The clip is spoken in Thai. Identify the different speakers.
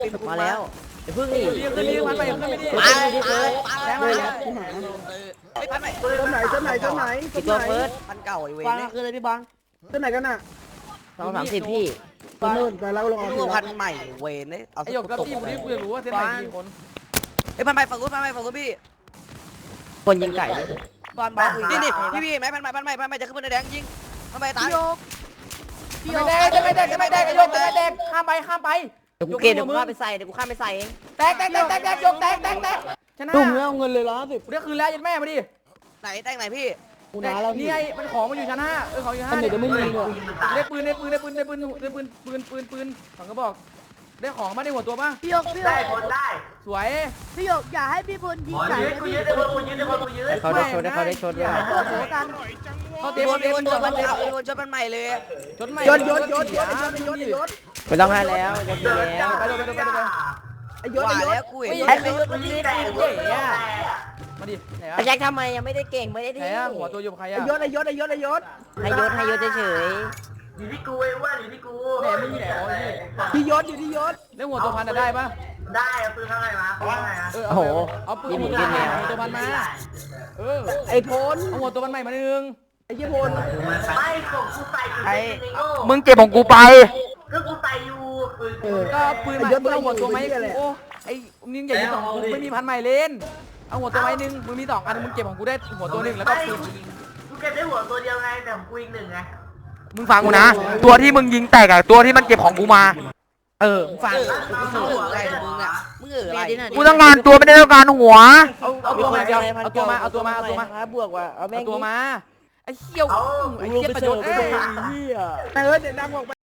Speaker 1: มาแล้วไอ้พึ่งนี่
Speaker 2: รีบพันไปขึ้นไม่ดี
Speaker 1: มาแรงมา
Speaker 3: ไม่พันไป
Speaker 4: ต้นไหน
Speaker 1: กี่ตัวเฟิร์ส
Speaker 3: พันเก่าไอ้เวร
Speaker 1: ฟัง
Speaker 3: เนี่ย
Speaker 1: คืออะไรพี่บัง
Speaker 4: ต้นไหนกันน่ะ
Speaker 1: 230พี่
Speaker 4: ต้นนู่นแต่เราลง
Speaker 3: ดูพันใหม่เวรเนี่ยเอา
Speaker 2: ไอ้หยกกับพี่กูนี่กูอยากรู้ว่าเส้นไหนกี่คน
Speaker 3: ไอ้พันไปฝั่งนู้นพี่
Speaker 1: คนยิงไก่
Speaker 3: บอลบ้านี่พี่ไหมพันใหม่จะขึ้นบนแดงยิงพันใหม่ตาย
Speaker 2: ไม่แดกไอ้หยกไม่แดกข้ามไป
Speaker 1: เดี๋ยวกูเกณฑ์เดี๋ยวกูข้ามไปใส่เอง
Speaker 2: แตกยกแตกชนะ
Speaker 4: ตุ่มแล้วเอาเงินเลย110
Speaker 2: กูได้คืนแล้วยันแม่มาดิ
Speaker 3: ไหนแดงไหนพี่
Speaker 4: กูน้าแล้ว
Speaker 2: นี่ไงมันของมันอยู่ชั้น5ของอยู่
Speaker 4: อันไหนจะไม่ยิงเลย
Speaker 2: ได้ปืนฝั่งก็บอกได้ของมาได้หัวตัวป่ะ
Speaker 5: พี่หยก
Speaker 6: ได้ผลได้
Speaker 2: สวย
Speaker 5: พี่หยกอย่าให้พี่พลยิงไก่นะพี่
Speaker 1: เขาได้ชนเขาได้ชน
Speaker 5: โอ้โหกัน
Speaker 2: เขาเตะ
Speaker 3: พี่วนชนพันใหม่เลย
Speaker 2: ชนใหม่
Speaker 4: ยศ
Speaker 1: ไม่ต้องให้แล้วจะดีแล้ว
Speaker 2: ไป
Speaker 4: ไอ้ยศ
Speaker 3: ว่าแล้วกูเห็น
Speaker 2: ไอ้ยศมันนี่ได้เก๋อะมาดิไหน
Speaker 1: ไอ้แจ็คทำไมยังไม่ได้เก่งไม่ได้
Speaker 2: ไหน
Speaker 1: ที่
Speaker 2: อะหัวตัวอยู่ใคร
Speaker 4: ไอ้
Speaker 2: อะ
Speaker 4: ยศ
Speaker 1: ให้ยศเฉย
Speaker 6: อยู่ที่กูไอ้อ้วนอยู่ที่กู
Speaker 2: แหนไม่มีแหนอ๋อนี่
Speaker 4: ที่ยศอยู่ที่ยศ
Speaker 2: แล้วหัวตัวพันได้ปะ
Speaker 6: ได้เอาปืนเท่าไหร่มาปืนเท่าไหร่นะ
Speaker 2: เอาปืนหัวตัวพันมา
Speaker 4: ไอ้พล
Speaker 2: เอาหัวตัวพันใหม่มา1
Speaker 4: ไอ้ยี่พล
Speaker 6: ไม่ของกูใส่อยู่ในโง่
Speaker 2: มึงเก็บของกูไป
Speaker 6: ก็กูใส่อยู่
Speaker 2: ก็ปืนใหม่มึงเอาหัวตัวไหมโอ้ไอ้มึงอย่ายิง2กูไม่มีพันใหม่เล่นเอาหัวตัวไหม1มึงมี2อันมึงเก็บของกูได้หัวตัว1แล้วก็ปืน
Speaker 6: กูเก็บได้หัวตัวเดียวไงแต่ของกูอีก1ไง
Speaker 2: มึงฟังกูนะตัวที่มึงยิงแตกอะตัวที่มันเก็บของกูมาฟัง
Speaker 3: มึงอะไรมึงอ่ะมึงอะไร
Speaker 2: กูต้องการตัวไม่ได้ต้องการหัวเอาตัวมาเอาตัวมา
Speaker 1: บวกว่าเอาแม่
Speaker 2: เอา
Speaker 1: ง
Speaker 2: ตัวมาไอ้เหี้ยวไอ้เหี้ยประโยชน์
Speaker 4: แต่เดี๋ยวดังออกไป